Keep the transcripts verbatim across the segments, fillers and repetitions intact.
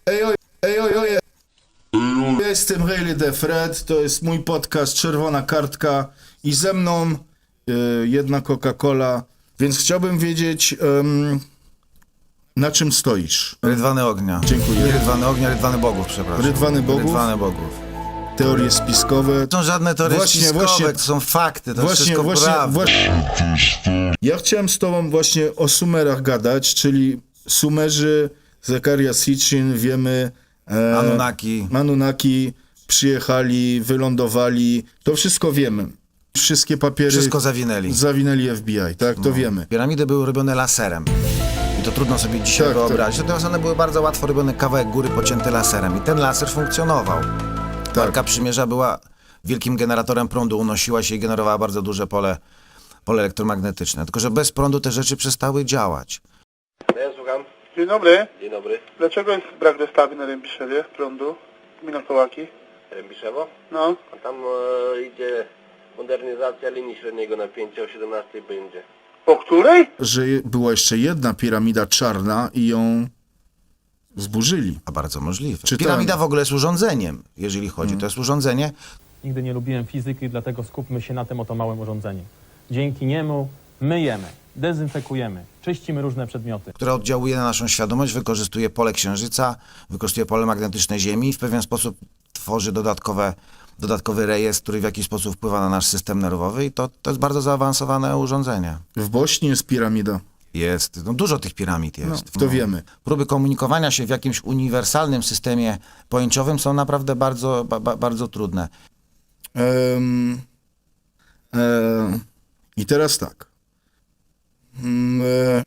Ej, oj, ej, oj, oj. Ja jestem Really The Fred, to jest mój podcast Czerwona Kartka i ze mną y, jedna Coca-Cola, więc chciałbym wiedzieć, ym, na czym stoisz. Rydwany ognia. Dziękuję. Nie Rydwany ognia, Rydwany bogów, przepraszam. Rydwany bogów? Rydwany bogów. Teorie spiskowe. To są żadne teorie Właśnie, spiskowe, właśnie- to są fakty, to Właśnie, wszystko właśnie, prawda. właśnie. Ja chciałem z tobą właśnie o Sumerach gadać, czyli Sumerzy, Zakaria Sitchin, wiemy... E, Anunnaki. Anunnaki przyjechali, wylądowali, to wszystko wiemy. Wszystkie papiery Wszystko zawinęli. zawinęli F B I, tak? To wiemy. Piramidy były robione laserem. I to trudno sobie dzisiaj Tak, wyobrazić. Natomiast one były bardzo łatwo robione, kawałek góry pocięty laserem. I ten laser funkcjonował. Tak. Arka Przymierza była wielkim generatorem prądu, unosiła się i generowała bardzo duże pole, pole elektromagnetyczne. Tylko że bez prądu te rzeczy przestały działać. Ja słucham. Dzień dobry. Dzień dobry. Dlaczego jest brak dostawy na Rębiszewie prądu? Gmina Kołaki. Rębiszewo? No. A tam e, idzie modernizacja linii średniego napięcia o siedemnastej będzie. O której? Że je- była jeszcze jedna piramida czarna i ją zburzyli. A bardzo możliwe. Czytałem. Piramida w ogóle jest urządzeniem, jeżeli chodzi. To jest urządzenie, Nigdy nie lubiłem fizyki, dlatego skupmy się na tym oto małym urządzeniu. Dzięki niemu myjemy, dezynfekujemy, czyścimy różne przedmioty. które oddziałuje na naszą świadomość, wykorzystuje pole Księżyca, wykorzystuje pole magnetyczne Ziemi i w pewien sposób tworzy dodatkowe, dodatkowy rejestr, który w jakiś sposób wpływa na nasz system nerwowy i to, to jest bardzo zaawansowane urządzenie. W Bośni jest piramida. Jest, no dużo tych piramid No, jest. to wiemy. Próby komunikowania się w jakimś uniwersalnym systemie pojęciowym są naprawdę bardzo, ba, ba, bardzo trudne. Em, em, I teraz tak. Mm, e,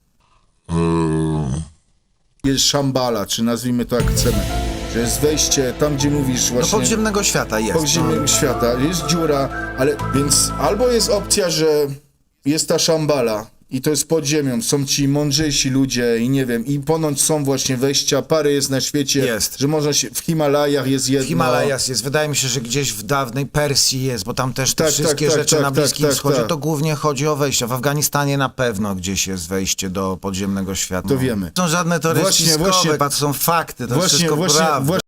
Jest Szambala, czy nazwijmy to jak chcemy. Że jest wejście tam, gdzie mówisz Do właśnie... podziemnego świata jest. podziemnego świata, jest dziura, ale więc albo jest opcja, że jest ta Szambala i to jest pod ziemią, są ci mądrzejsi ludzie i nie wiem, i ponoć są właśnie wejścia, parę jest na świecie, Jest. że można się, w Himalajach jest jedno. W Himalajas jest, wydaje mi się, że gdzieś w dawnej Persji jest, bo tam też te Tak, wszystkie tak, tak, rzeczy tak, na tak, Bliskim tak, Wschodzie, tak. to głównie chodzi o wejścia. W Afganistanie na pewno gdzieś jest wejście do podziemnego świata. To wiemy. To są żadne teorie Właśnie, spiskowe, właśnie. to są fakty, to Właśnie, wszystko właśnie, prawda. właśnie.